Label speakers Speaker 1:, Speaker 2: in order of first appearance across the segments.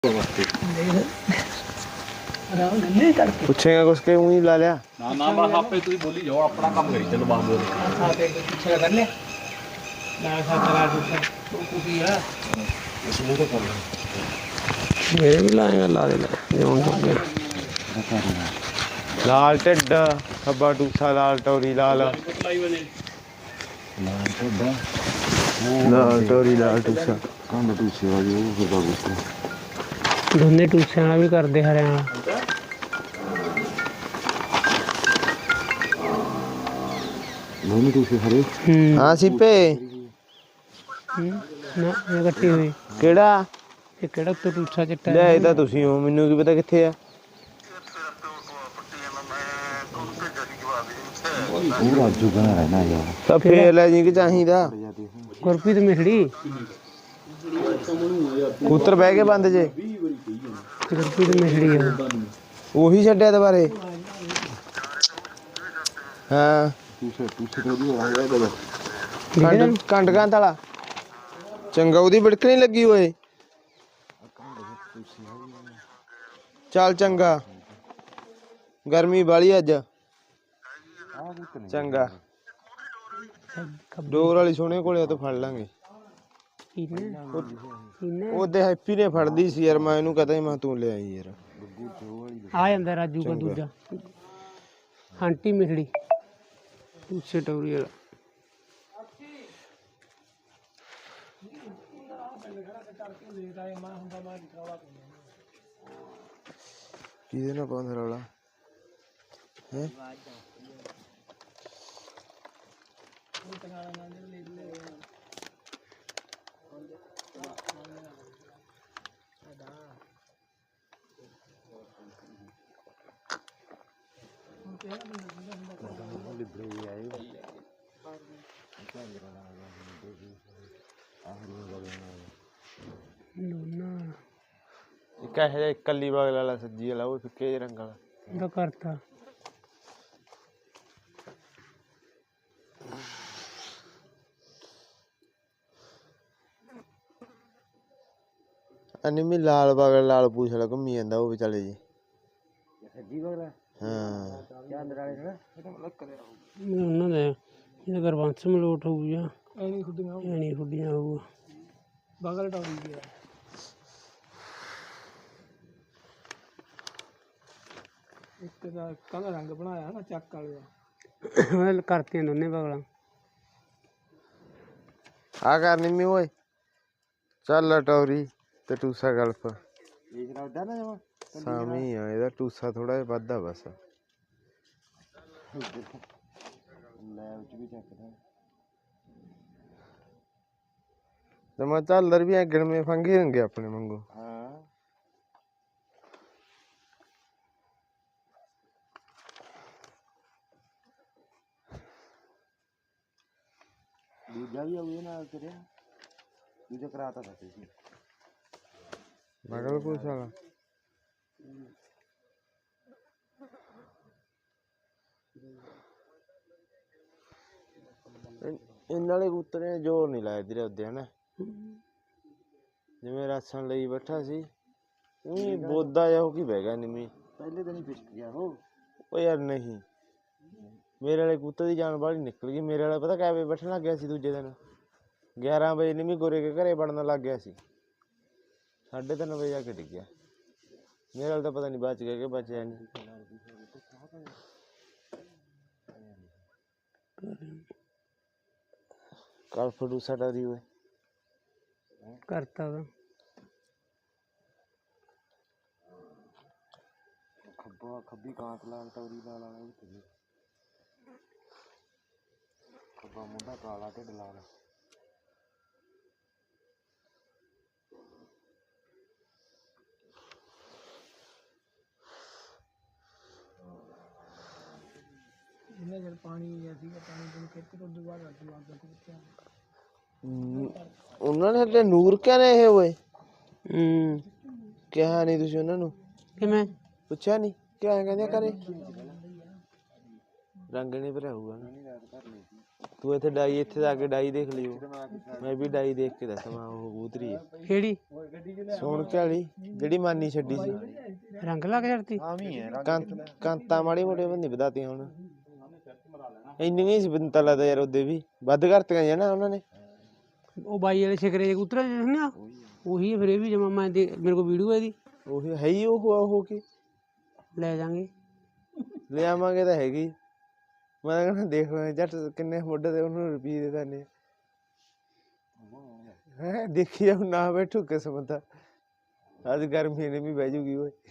Speaker 1: ਪੁੱਛੇਗਾ ਕੁਛ ਕੇ ਊਂ ਹੀ ਲਾ ਲਿਆ
Speaker 2: ਨਾ ਨਾ ਬਸ ਆਪੇ ਤੁਸੀਂ ਬੋਲੀ ਜਾਓ ਆਪਣਾ ਕੰਮ ਕਰੀ ਚਲੋ ਬਾਹਰ ਬੋਲ
Speaker 3: ਪਿੱਛੇ ਕਰ ਲਿਆ ਨਾ ਸਾਰਾ ਕੁਕੀ ਆ
Speaker 2: ਇਸ ਨੂੰ ਤਾਂ ਕਰ
Speaker 1: ਮੇਰੇ ਵੀ ਲਾਏਗਾ ਲਾ ਦੇ ਜਿਉਂ ਚੁੱਕੇ ਲਾਲ ਢਿੱਡ ਖੱਬਾ ਟੂਸਾ ਲਾਲ ਟੋਰੀ ਲਾਲ ਲਾਲ ਟੋਰੀ ਲਾਲ ਟੂਸਾ
Speaker 2: ਕੰਨ ਟੂਸੇ ਵਾਲੀ ਉਹ ਫਿਰਦਾ ਗੁੱਸਾ
Speaker 3: ਦੋਨੇ ਟੂਸਿਆਂ ਨਾਲ ਵੀ ਕਰਦੇ ਹਰਿਆਂ ਨਾਲ
Speaker 2: ਦੋਨੇ ਟੂਸੇ ਹਰੇ
Speaker 1: ਹਾਂ ਸੀਪੇ
Speaker 3: ਨਾ ਇਹ ਕੱਟੀ ਹੋਈ
Speaker 1: ਕਿਹੜਾ
Speaker 3: ਇਹ ਕਿਹੜਾ ਉੱਤੇ ਟੂਸਾ ਚਿੱਟਾ
Speaker 1: ਲੈ ਇਹਦਾ ਤੁਸੀਂ ਹੋ ਮੈਨੂੰ ਕੀ ਪਤਾ ਕਿੱਥੇ ਆ
Speaker 2: ਉਹ ਰਾਜੂ ਕਨਾ ਰਹਿਣਾ ਯਾਰ
Speaker 1: ਤਾਂ ਫੇਰ ਲੈ ਜੀ ਕਿ ਚਾਹੀਦਾ
Speaker 3: ਗੁਰਪ੍ਰੀਤ ਮਿਖੜੀ
Speaker 1: ਕਬੂਤਰ ਬਹਿ ਕੇ ਬੰਦ ਜੇ
Speaker 3: ਗੁਰਪ੍ਰੀਤ ਮਿਖੜੀ ਆ
Speaker 1: ਉਹੀ ਛੱਡਿਆ ਦੁਬਾਰੇ ਹਾਂ
Speaker 2: ਟੂਸੇ ਥੋੜੀ ਹੋ ਰਿਹਾ
Speaker 1: ਕੰਡ ਵਾਲਾ ਚੰਗਾ ਉਹਦੀ ਵਿੜਕ ਨਹੀਂ ਲੱਗੀ ਓਏ ਚੱਲ ਚੰਗਾ ਗਰਮੀ ਵਾਲੀ ਅੱਜ ਚੰਗਾ ਡੋਰ ਵਾਲੀ ਸੋਹਣੇ ਕੋਲੇ ਤੋਂ ਫੜ ਲਾਂਗੇ ਉਹਦੇ ਹੈਪੀ ਨੇ ਫੜਦੀ ਸੀ ਯਾਰ ਮੈਂ ਇਹਨੂੰ ਕਹਤਾ ਮੈਂ ਤੂੰ ਲੈ ਆਈ ਯਾਰ
Speaker 3: ਆ ਜਾਂਦਾ ਰਾਜੂ ਦਾ ਦੂਜਾ ਆਂਟੀ ਮਿਖੜੀ ਟੂਸੇ ਟੋਰੀ ਵਾਲਾ
Speaker 1: ਕਿਹਦੇ ਨਾਲ ਪਾਉਂਦਾ ਰੌਲਾ ਹੈ ਇੱਕ ਇਹ ਇਕੱਲੀ ਬਗਲ ਵਾਲਾ ਸੱਜੀ ਵਾਲਾ ਉਹ ਫਿੱਕੇ ਜਿਹੇ ਰੰਗ ਵਾਲਾ
Speaker 3: ਉਹਦਾ ਕਰਤਾ
Speaker 1: ਅਨਿਮੀ ਲਾਲ ਬਗਲ ਲਾਲ ਪੂਛ ਵਾਲਾ ਘੁੰਮੀ ਜਾਂਦਾ ਉਹ ਵਿਚਾਲੇ ਜੀ
Speaker 2: ਸੱਜੀ ਬਗਲਾ
Speaker 1: ਹਾਂ
Speaker 2: ਚੰਦ ਵਾਲੇ ਥੋੜਾ
Speaker 3: ਉਹਨਾਂ ਦੇ ਇਹਦਾ ਗਰਬੰਸ ਮਲੋਟ ਹੋਊ ਜਾਂ ਐਣੀ ਖੁੱਡੀਆਂ ਹੋਊ ਬਗਲ ਟੌਰੀ ਗਿਆ ਇੱਕ ਦਾ ਕਾਲਾ ਰੰਗ ਬਣਾਇਆ ਨਾ ਚੱਕ ਵਾਲੇ ਦਾ ਕਰਤੀਆਂ ਦੋਨੇ ਬਗਲਾਂ
Speaker 1: ਆ ਕਰ ਨਿੰਮੀ ਓਏ ਚੱਲ ਟੌਰੀ ਤੇ ਟੂਸਾ ਗਲਫ
Speaker 2: ਇਹ ਜਰਾ ਉੱਡਾ ਨਾ ਜਮਾ
Speaker 1: ਸਾਮੀ ਆ ਇਹਦਾ ਟੂਸਾ ਥੋੜਾ ਜਿਹਾ ਵੱਧਾ ਬਸ
Speaker 2: ਲੈ ਉੱਚ ਵੀ ਚੱਕਦਾ
Speaker 1: ਤੇ ਮੈਂ ਝਾਲਰ ਵੀ ਗਣਵੇਂ ਫੰਗੇ ਹੋਣਗੇ ਆਪਣੇ ਵਾਂਗੂ
Speaker 2: ਹਾਂ ਦੂਜਾ ਵੀ ਆਉਏ ਨਾਲ ਤੇਰੇ ਦੂਜਾ ਕਰਾਤਾ ਤਾਂ ਸੀ
Speaker 1: ਮਗਲ ਪੂਛ ਵਾਲਾ ਇਹਨਾਂ ਵਾਲੇ ਕਬੂਤਰ ਨੇ ਜ਼ੋਰ ਨਹੀਂ ਲਾਇਆ ਤੇਰੇ ਉੱਤੇ ਹਨਾ ਜਿਵੇਂ ਰਾਸਣ ਲਈ ਬੈਠਾ ਸੀ ਉਹੀ ਬੋਦਾ ਜਾ ਹੋ ਕੇ ਬਹਿ ਗਿਆ ਨਿੰਮੀ
Speaker 2: ਪਹਿਲੇ ਦਿਨ ਹੀ ਫਿਸਕ ਗਿਆ ਉਹ
Speaker 1: ਯਾਰ ਨਹੀਂ ਮੇਰੇ ਵਾਲੇ ਕਬੂਤਰ ਦੀ ਜਾਨ ਬਾਹਲੀ ਨਿਕਲ ਗਈ ਮੇਰੇ ਵਾਲਾ ਪਤਾ ਕਿਆ ਵਜੇ ਬੈਠਣ ਲੱਗ ਗਿਆ ਸੀ ਦੂਜੇ ਦਿਨ 11 ਵਜੇ ਨਿੰਮੀ ਗੋਰੇ ਕੇ ਘਰੇ ਵੜਨ ਲੱਗ ਗਿਆ ਸੀ 3:30 ਵਜੇ ਜਾ ਕੇ ਡਿੱਗ ਗਿਆ ਮੇਰੇ ਵਾਲਾ ਤਾਂ ਪਤਾ ਨਹੀਂ ਬਚ ਗਿਆ ਕਿ ਬਚਿਆ ਨਹੀਂ ਕੱਲ ਫੜੂ ਸਾਡਾ ਦੀ ਓਏ
Speaker 3: ਕਰਤਾ ਉਹਦਾ
Speaker 2: ਖੱਬੀ ਕਾਂਤ ਲਾਲ ਟੌਰੀ ਲਾਲ ਵਾਲਾ ਵੀ ਤੇ ਖੱਬਾ ਮੁੰਡਾ ਕਾਲਾ ਢਿੱਡ ਲਾਲ
Speaker 3: ਇਹਨਾਂ ਜਦ ਪਾਣੀ ਆ ਸੀਗਾ ਪਾਣੀ ਤੋਂ ਖੇਤ ਤੋਂ ਦੁਬਾਰਾ ਰਾਜੂ ਆਉਂਦਾ ਕੁੱਤਿਆਂ
Speaker 1: ਉਹਨਾਂ ਨੇ ਹਲੇ ਨੂਰ ਕਿਆ ਨੇ ਇਹ ਓਏ ਕਿਹਾ ਨਹੀਂ ਤੁਸੀਂ ਉਹਨਾਂ ਨੂੰ
Speaker 3: ਕਿਵੇਂ
Speaker 1: ਪੁੱਛਿਆ ਨਹੀਂ ਕਿਆ ਕਹਿੰਦੇ ਕਰੇ ਰੰਗ ਨਹੀਂ ਭਰਿਆ ਹੋਊਗਾ ਨਾ।
Speaker 2: ਨਹੀਂ ਰਾਤ ਭਰ ਲਈ ਸੀ
Speaker 1: ਤੂੰ ਇੱਥੇ ਡਾਈ ਇੱਥੇ ਆ ਕੇ ਡਾਈ ਦੇਖ ਲਿਓ।
Speaker 2: ਜਦੋਂ ਮੈਂ ਆ ਕੇ ਛੱਡ
Speaker 1: ਮੈਂ ਵੀ ਡਾਈ ਦੇਖ ਕੇ ਦੱਸਾਂ ਉਹ ਕਬੂਤਰੀ ਆ
Speaker 3: ਕਿਹੜੀ
Speaker 1: ਸੋਣ ਵਾਲੀ ਜਿਹੜੀ ਮਾਨੀ ਛੱਡੀ ਸੀ।
Speaker 3: ਰੰਗ ਲੱਗ ਜਾਂਦੀ
Speaker 2: ਆਵੀਂ ਹੈ ਰੰਗ
Speaker 1: ਕਾਂਤਾਂ ਮਾੜੀ ਮੋਟੇ ਬੰਦੀ ਵਧਾਤੀਆਂ ਹੁਣ ਇੰਨੀਆਂ ਹੀ ਸੀ ਬੰਤਾ ਲੱਗਦਾ ਯਾਰ ਉਹਦੇ ਵੀ ਵੱਧ ਕਰਤੀਆਂ ਜਾਂ ਨਾ ਉਹਨਾਂ ਨੇ।
Speaker 3: ਉਹ ਬਾਈ ਵਾਲੇ ਛਿਕਰੇ ਦੇ ਕਬੂਤਰ ਜਿਹੜੇ ਨਾ ਉਹੀ ਆ ਫਿਰ ਇਹ ਵੀ ਜਮਾ ਮੈਂ ਮੇਰੇ ਕੋਲ ਵੀਡੀਓ ਇਹਦੀ
Speaker 1: ਉਹੀ ਹੈ ਹੀ ਉਹ ਕੀ
Speaker 3: ਲੈ ਜਾਾਂਗੇ
Speaker 1: ਲਿਆਵਾਂਗੇ ਤਾਂ ਹੈਗੀ। ਮੈਂ ਤਾਂ ਕਹਿੰਦਾ ਦੇਖ ਲੈ ਜੱਟ ਕਿੰਨੇ ਮੁੱਢ ਤੇ ਉਹਨੂੰ ਰੁਪਈਏ ਦੇ ਦਾਨੇ ਹੈ ਦੇਖੀ ਜਾ ਨਾ ਬੈਠੂ ਕਿਸਮਤ ਆ ਅੱਜ ਗਰਮੀ ਨੇ ਵੀ ਬਹਿ ਜੂਗੀ ਓਏ।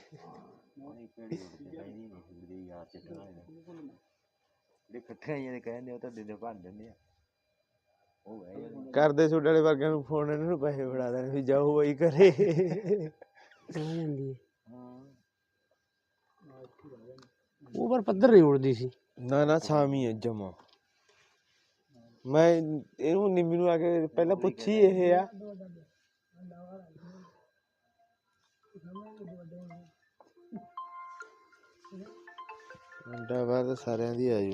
Speaker 2: ਜਿਹੜੇ ਖੱਟੀਆਂ ਦੇ ਕਹਿੰਦੇ ਉਹ ਤਾਂ ਦਿਨ ਭੰਨ ਦਿੰਦੇ ਆ ਉਹ ਹੈ
Speaker 1: ਕਰਦੇ ਸੁੱਡ ਵਾਲੇ ਵਰਗਿਆਂ ਨੂੰ ਫੋਨ ਇਹਨਾਂ ਨੂੰ ਪੈਸੇ ਫੜਾ ਦੇਣੇ ਵੀ ਜਾਓ ਬਾਈ ਘਰੇ।
Speaker 3: ਆ ਜਾਂਦੀ ਹੈ ਉਹ ਪਰ ਪੱਧਰ ਨਹੀਂ ਉੜਦੀ ਸੀ।
Speaker 1: ਨਾ ਨਾ ਸਾਮੀ ਹੈ ਜਮਾ। ਮੈਂ ਇਹਨੂੰ ਨਿੰਮੀ ਨੂੰ ਆ ਕੇ ਪਹਿਲਾਂ ਪੁੱਛੀ ਇਹ ਆ ਅੰਡਾ ਬਾਅਦ ਸਾਰਿਆਂ ਦੀ ਆਜੂ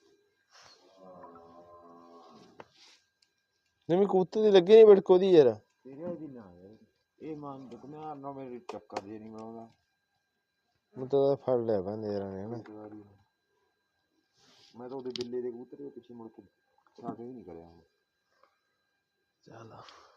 Speaker 1: ਨਿੰਮੀ ਕਬੂਤਰ ਦੀ ਲੱਗੀ ਨਹੀਂ ਬਿੜਕੋ ਦੀ ਯਾਰ
Speaker 2: ਤੇਰੇ ਦੀ ਨਾ ਯਾਰ ਇਹ ਮੰਨ ਦੁਕਨਾ ਨਾ ਮੇਰੇ ਚੱਕਰ ਜੇ ਨਹੀਂ ਬਣਾਉਂਦਾ
Speaker 1: ਮੈਂ ਤਾਂ ਫੜ ਲਿਆ ਬੰਦੇ ਯਾਰਾਂ ਨੇ ਹਨਾ।
Speaker 2: ਮੈਂ ਤਾਂ ਉਹਦੇ ਬਿੱਲੇ ਦੇ ਕਬੂਤਰ ਦੇ ਪਿੱਛੇ ਮੁੜ ਕੇ ਸਾਕੇ ਵੀ ਨਹੀਂ ਕਰਿਆ ਹੁਣ।
Speaker 1: ਚੱਲ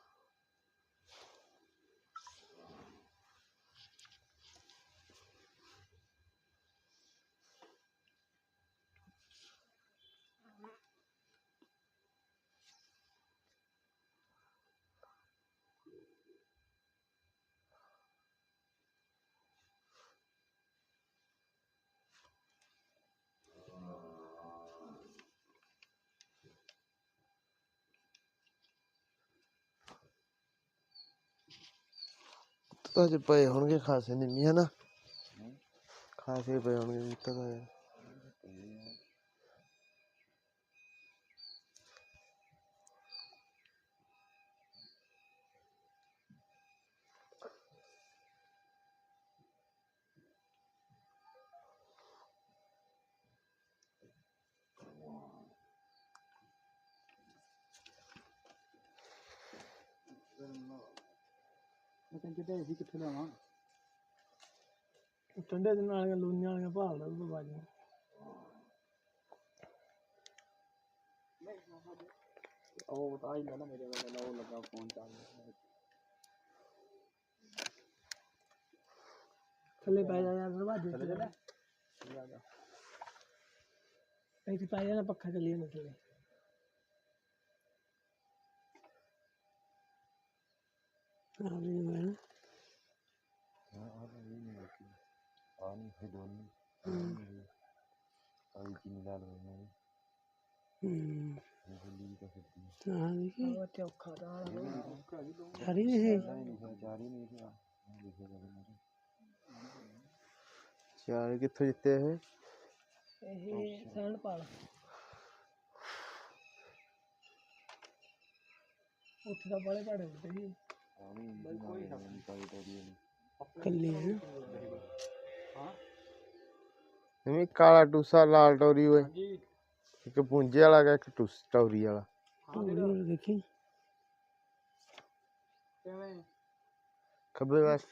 Speaker 1: ਤਾਂ ਜੇ ਪਏ ਹੋਣਗੇ ਖਾਸੇ ਨਿੰਮੀ ਹਨਾ ਖਾਸੇ ਪਏ ਹੋਣਗੇ ਕਬੂਤਰ ਤਾਂ ਯਾਰ।
Speaker 3: ਕਿੱਥੇ ਲਿਆਵਾਂ ਠੰਡੇ ਦਿਨ ਵਾਲੀਆਂ ਲੂਣੀਆਂ ਵਾਲੀਆਂ ਭਾਲਦਾ ਉਹ ਬਾਜੀਆਂ ਉਹ ਤਾਂ ਹੀ ਨਾ ਮੇਰੇ ਨਾਲ ਉਹ ਲੱਗਾ ਫੋਨ ਚੱਲਦਾ ਥੱਲੇ ਪੈ ਜਾ ਯਾਰ ਦਰਵਾਜ਼ੇ ਤੇ ਇੱਥੇ ਪੈ ਜਾ ਪੱਖਾ ਚੱਲੀ ਜਾਂਦਾ ਥੱਲੇ ਆ ਵੀ ਮੈਂ
Speaker 2: ਆ ਨਹੀਂ ਫਿਰ ਦੋਨੀ ਆਈ ਚੀਨੀ ਲਾ ਲਓ ਮੈਂ ਬੋਲੀ ਤਾਂ ਫਿਰ
Speaker 3: ਹਾਂ ਦੇਖੀ ਉਹ ਚੌਖਾ ਦਾ ਸਾਰੀ ਨਹੀਂ ਸੀ
Speaker 2: ਜਾਰੀ ਨਹੀਂ ਸੀ ਲਿਖਿਆ ਮੇਰੇ
Speaker 1: ਚਾਰ ਕਿੱਥੋਂ ਜਿੱਤੇ
Speaker 3: ਇਹ ਸੈਂਡਪਾਲ ਉੱਥੇ ਦਾ ਬੜੇ ਘੜੇ ਉੱਤੇ ਸੀ ਕੱਲੇ
Speaker 1: ਨਿੰਮੀ ਕਾਲਾ ਟੂਸਾ ਲਾਲ ਟੌਰੀ ਓਏ ਇੱਕ ਪੁੰਜੇ ਵਾਲਾ ਗਾ ਇੱਕ ਟੌਰੀ ਵਾਲਾ
Speaker 3: ਟੂਰੀ ਦੇਖੀ
Speaker 1: ਖੱਬੇ ਪਾਸ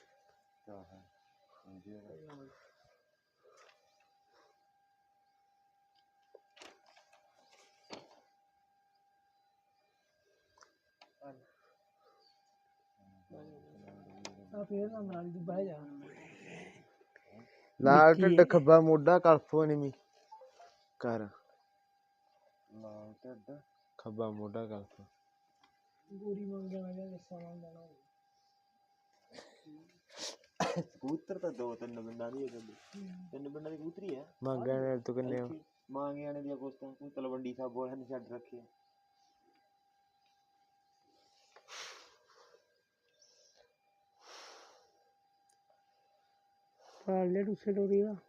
Speaker 3: ਆ ਫੇਰ ਨਾ ਨਾਲ ਦੀ ਬਹਿ ਜਾ
Speaker 1: ਲਾਲ ਢਿੱਡ ਖੱਬਾ ਮੋਢਾ ਕਲਫੋ ਨਿੰਮੀ ਕਰ
Speaker 2: ਲਾਲ ਢੱਡ
Speaker 1: ਖੱਬਾ ਮੋਢਾ ਕਲਫੋ
Speaker 3: ਗੋਰੀ ਮੰਗ ਜਾਣਾ ਜਾਂ ਰੱਸਾ ਮੰਗ ਜਾਣਾ
Speaker 2: ਕਬੂਤਰ ਤਾਂ ਦੋ ਤਿੰਨ ਪਿੰਡਾਂ ਦੀ ਹੈ ਤਿੰਨ ਪਿੰਡਾਂ ਦੀ ਕਬੂਤਰੀ ਹੈ
Speaker 1: ਮੰਗਿਆ ਨੇ ਤੂੰ ਕਿੰਨੇ ਹੋ
Speaker 2: ਮਾਂਗਿਆਣੇ ਦੀਆਂ ਕੋਸਤਾਂ ਕੋਈ ਤਲਵੰਡੀ ਸਾਬੋ ਹਨ ਛੱਡ ਰੱਖੇ
Speaker 3: ਪਾਲ ਲੈ ਟੂਸੇ ਟੋਰੀ ਦਾ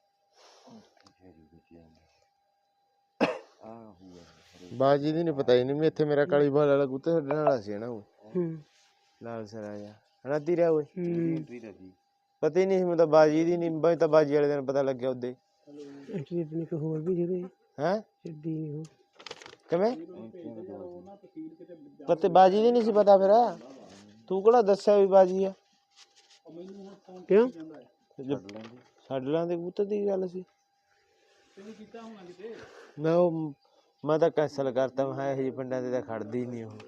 Speaker 1: ਬਾਜੀ ਦੀ ਨਹੀਂ ਪਤਾ ਹੀ ਨਹੀਂ ਇੱਥੇ ਮੇਰਾ ਕਾਲੀ ਬਾਲ ਵਾਲਾ ਕਬੂਤਰ ਛੱਡਣ ਵਾਲਾ ਸੀ ਨਾ ਉਹ ਲਾਲ ਸਰਾ ਜਾ ਹਨਾ ਤੀਰਾ ਓਏ ਪਤਾ ਹੀ ਨਹੀਂ ਸੀ ਮੈਨੂੰ ਤਾਂ ਬਾਜੀ ਦੀ ਨਹੀਂ ਤਾਂ ਬਾਜੀ ਵਾਲੇ ਦਿਨ ਪਤਾ ਲੱਗਿਆ ਉਹਦੇ
Speaker 3: ਐਕਚੁਅਲੀ ਤੈਨੂੰ ਕੋਈ ਹੋਰ ਵੀ ਜਿਹੜੇ
Speaker 1: ਹੈ
Speaker 3: ਛੱਡੀ ਨਹੀਂ ਉਹ
Speaker 1: ਕਿਵੇਂ ਪਤੇ ਬਾਜੀ ਦੀ ਨਹੀਂ ਸੀ ਪਤਾ ਫਿਰ ਤੂੰ ਕਿਹੜਾ ਦੱਸਿਆ ਵੀ ਬਾਜੀ ਆ
Speaker 3: ਕਿਉਂ
Speaker 1: ਛੱਡ ਲਾਂਦੇ ਕਬੂਤਰ ਦੀ ਗੱਲ ਸੀ ਮੈਂ ਤਾਂ ਕੈਂਸਲ ਕਰਤਾ ਮੈਂ ਇਹੋ ਜਿਹੇ ਪਿੰਡਾਂ ਤੇ ਤਾਂ ਖੜਦੀ ਨਹੀਂ ਉਹ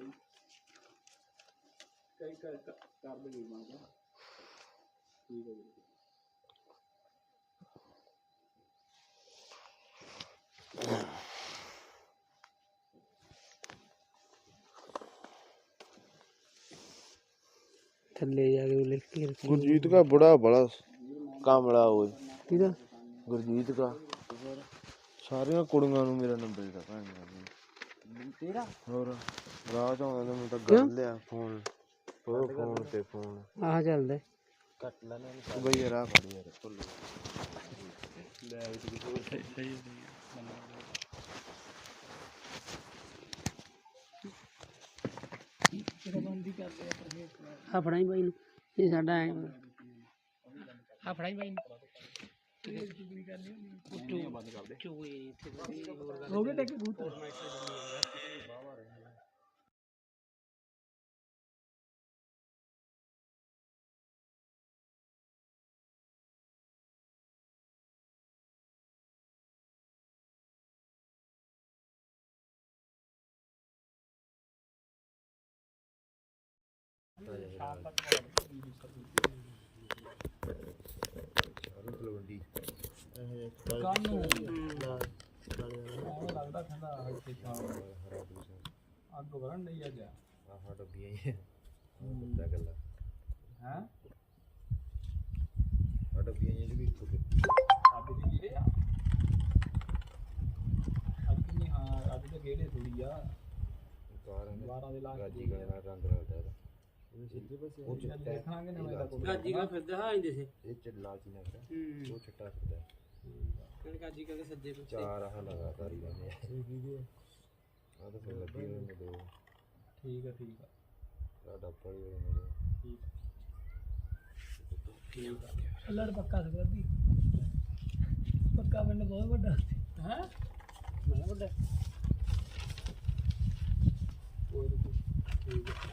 Speaker 3: ਥੱਲੇ ਜਾ ਕੇ ਲਿਖ ਕੇ ਰੱਖੀ
Speaker 1: ਗੁਰਜੀਤ ਦਾ ਬੜਾ ਬੜਾ ਕਾਮਲਾ ਹੋਏ
Speaker 3: ਕਿਹਦਾ
Speaker 1: ਗੁਰਜੀਤ ਦਾ ਸਾਰੀਆਂ ਕੁੜੀਆਂ ਨੂੰ ਮੇਰਾ ਨੰਬਰ ਦਿੱਤਾ ਭੈਣ
Speaker 2: ਤੇਰਾ
Speaker 1: ਹੋਰ ਰਾਹ ਚ ਆਉਂਦਾ ਮੈਨੂੰ ਤਾਂ ਗੱਲ ਲਿਆ ਫੋਨ ਉਹ ਫੋਨ ਤੇ ਫੋਨ
Speaker 3: ਆਹ ਚੱਲਦਾ
Speaker 2: ਕੱਟ ਲੈਣਾ
Speaker 1: ਬਈ ਯਾਰ ਆ ਫੜ ਯਾਰ ਭੁੱਲ
Speaker 3: ਆ ਫੜਾਈ ਬਾਈ ਨੂੰ ਇਹ ਸਾਡਾ ਆ ਫੜਾਈ ਬਾਈ ਨੂੰ ਹੋ ਗਏ ਟੈਕ ਕਬੂਤਰ ਅੱਗ ਵਰਨ ਨਹੀਂ ਆ ਗਿਆ
Speaker 2: ਆਹ ਡੱਬੀਆਂ ਹੀ ਬੰਦਾ ਗੱਲਾਂ
Speaker 3: ਹੈ
Speaker 2: ਆ ਡੱਬੀਆਂ ਜੀ ਵੀ ਇੱਥੋਂ
Speaker 3: ਅੱਗ ਦੀ ਜਿਹੜੇ ਆ ਅੱਗ ਨਹੀਂ ਹਾਂ ਅੱਗ ਤੇ ਗੇੜੇ ਥੋੜੀ ਆ
Speaker 2: ਕਾਰ ਹੈ
Speaker 3: 12 ਦੇ ਲਾ
Speaker 2: ਗਾਜੀ ਦਾ ਰੰਗ ਰਲਦਾ ਇਹਦਾ ਇਹ ਸਿੱਧੇ ਪਾਸੇ ਉਹ ਚਿੱਟਾ
Speaker 3: ਦੇਖਾਂਗੇ ਨਵੇਂ ਦਾ ਕੋਈ ਗਾਜੀ ਕਾ ਫਿਰਦਾ ਹਾਂ ਇੰਦੇ ਸੇ
Speaker 2: ਇਹ ਚਿੱਲਾ ਚੀ ਨਾ ਉਹ ਚਿੱਟਾ ਫਿਰਦਾ
Speaker 3: ਕਿਹੜੇ ਗਾਜੀ ਕਰਕੇ ਸੱਜੇ ਪਿੱਛੇ
Speaker 2: ਚਾਰ ਆਹ ਲਗਾਤਾਰ ਹੀ ਰਹਿੰਦੇ ਆ ਆਹ ਤਾਂ ਫਿਰ ਲੱਗੀ ਹੋਈ ਨੇ ਦੋ
Speaker 3: ਠੀਕ ਆ
Speaker 2: ਆ ਡੱਬਲ ਹੋਏ ਨੇ
Speaker 3: ਠੀਕ ਆ ਲੜ ਪੱਕਾ ਸਕਦੀ ਪੱਕਾ ਪਿੰਡ ਬਹੁਤ ਵੱਡਾ ਹੈ ਮੈਂ ਵੱਡਾ ਕੋਈ ਠੀਕ ਹੈ